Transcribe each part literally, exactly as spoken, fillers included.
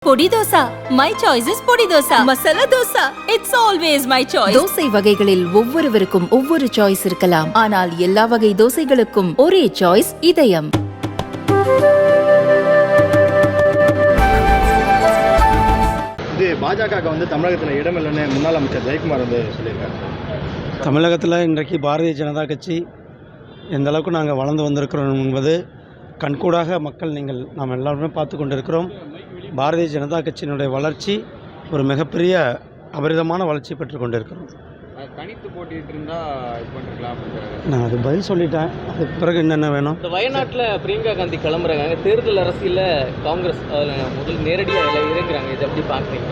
பொடி dosa. My choice is பொடி dosa. Masala dosa. It's always my choice. Dosa வகைகளில் ஒவ்வொருவருக்கும் ஒவ்வொரு சாய்ஸ் இருக்கலாம். ஆனால் எல்லா வகை தோசைகளுக்கும் ஒரே சாய்ஸ் இதயம். இது பாஜக வந்து தமிழகத்தில் இடமில்லைன்னு முன்னாள் அமைச்சர் ஜெயக்குமார் வந்து சொல்லியிருக்காரு. தமிழகத்தில் இன்றைக்கு பாரதிய ஜனதா கட்சி எந்த அளவுக்கு நாங்கள் வளர்ந்து வந்திருக்கிறோம் என்பது கண்கூடாக மக்கள் நீங்கள் நாம் எல்லாருமே பார்த்து கொண்டிருக்கிறோம். பாரதிய ஜனதா கட்சியினுடைய வளர்ச்சி ஒரு மிகப்பெரிய அபரிதமான வளர்ச்சி பெற்று கொண்டிருக்கிறோம். தனித்து போட்டிட்டு இருந்தால் இது பண்ணிருக்கலாம். நான் அது பதில் சொல்லிட்டேன். அதுக்கு பிறகு என்னென்ன வேணும்? இந்த வயநாட்டில் பிரியங்கா காந்தி கிளம்புறாங்க. தேர்தல் அரசியலில் காங்கிரஸ் அதில் முதல் நேரடியாக இறங்குறாங்க. இதை எப்படி பார்க்குறீங்க?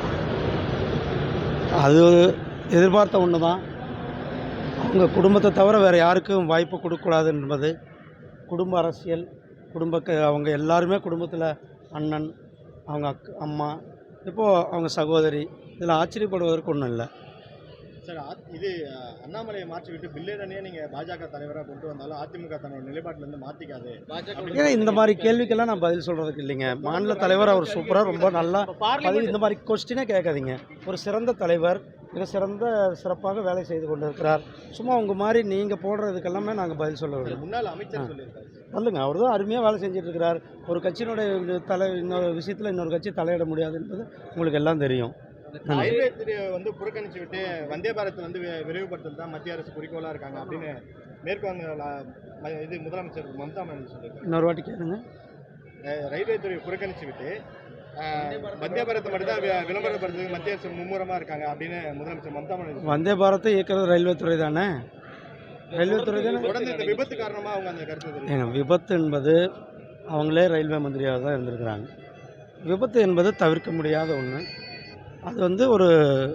அது எதிர்பார்த்த ஒன்று தான். அவங்க குடும்பத்தை தவிர வேறு யாருக்கும் வாய்ப்பு கொடுக்கக்கூடாது என்பது குடும்ப அரசியல். குடும்ப அவங்க எல்லாருமே குடும்பத்தில் அண்ணன், அவங்க அக் அம்மா, இப்போது அவங்க சகோதரி, இதில் ஆச்சரியப்படுவதற்கு ஒன்றும் இல்லை. சார், இது அண்ணாமலையை மாற்றி விட்டு பில்லேடனே நீங்கள் பாஜக தலைவராக கொண்டு வந்தாலும் அதிமுக தன்னோட நிலைப்பாட்டிலேருந்து மாற்றிக்காது. ஏன்னா இந்த மாதிரி கேள்விக்கெல்லாம் நான் பதில் சொல்கிறதுக்கு இல்லைங்க. மாநில தலைவர் அவர் சூப்பராக ரொம்ப நல்லா பதில், இந்த மாதிரி கொஸ்டினே கேட்காதீங்க. ஒரு சிறந்த தலைவர், மிக சிறந்த சிறப்பாக வேலை செய்து கொண்டு இருக்கிறார். சும்மா உங்கள் மாதிரி நீங்கள் போடுறதுக்கெல்லாமே நாங்கள் பதில் சொல்ல வேண்டும். முன்னாள் அமைச்சர் சொல்லியிருக்காரு வந்துங்க, அவர் தான் அருமையாக வேலை செஞ்சுட்டு இருக்கிறார். ஒரு கட்சியினுடைய தலை இன்னொரு விஷயத்தில் இன்னொரு கட்சி தலையிட முடியாது என்பது உங்களுக்கு எல்லாம் தெரியும். ரயில்வே வந்து புறக்கணிச்சு விட்டு வந்தே பாரத் வந்து விரைவுபடுத்தல் தான் மத்திய அரசு குறிக்கோளாக இருக்காங்க அப்படின்னு மேற்குவங்க இது முதலமைச்சர் மம்தா பானர்ஜி சொல்லியிருக்காங்க. இன்னொரு வாட்டி கேளுங்க. ரயில்வே துறையை புறக்கணிச்சு விட்டு வந்தே பாரத் மட்டும் தான் விளம்பரப்படுத்துறதுக்கு மத்திய அரசு மும்முரமாக இருக்காங்க அப்படின்னு முதலமைச்சர் மம்தா பானர்ஜி. வந்தே பாரத்தை இயக்கிறது ரயில்வே துறை தானே. ரயில்வே துறை தானே. தொடர்ந்து இந்த விபத்து காரணமாக அவங்க அந்த கருத்து. ஏங்க, விபத்து என்பது அவங்களே ரயில்வே மந்திரியாக தான் இருந்திருக்கிறாங்க. விபத்து என்பது தவிர்க்க முடியாத ஒன்று. அது வந்து ஒரு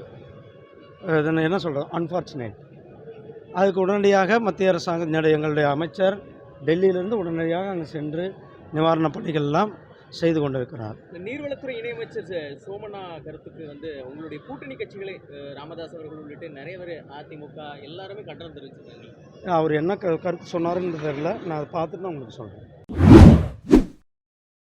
என்ன சொல்கிறது, அன்ஃபார்ச்சுனேட். அதுக்கு உடனடியாக மத்திய அரசாங்கம் எங்களுடைய அமைச்சர் டெல்லியிலிருந்து உடனடியாக அங்கே சென்று நிவாரணப் பணிகள்லாம் செய்து கொண்டிருக்கிறார். நீர்வளத்துறை இணையமைச்சர் சோமண்ணா கருத்துக்கு வந்து உங்களுடைய கூட்டணி கட்சிகளை ராமதாஸ் அவர்கள் உள்ளிட்டு நிறைய பேர் அதிமுக எல்லாருமே கண்டனம் தெரிவிச்சிருக்காங்க. அவர் என்ன கருத்து சொன்னாருன்னு தெரியல. நான் அதை பார்த்துட்டு நான் உங்களுக்கு சொல்கிறேன்.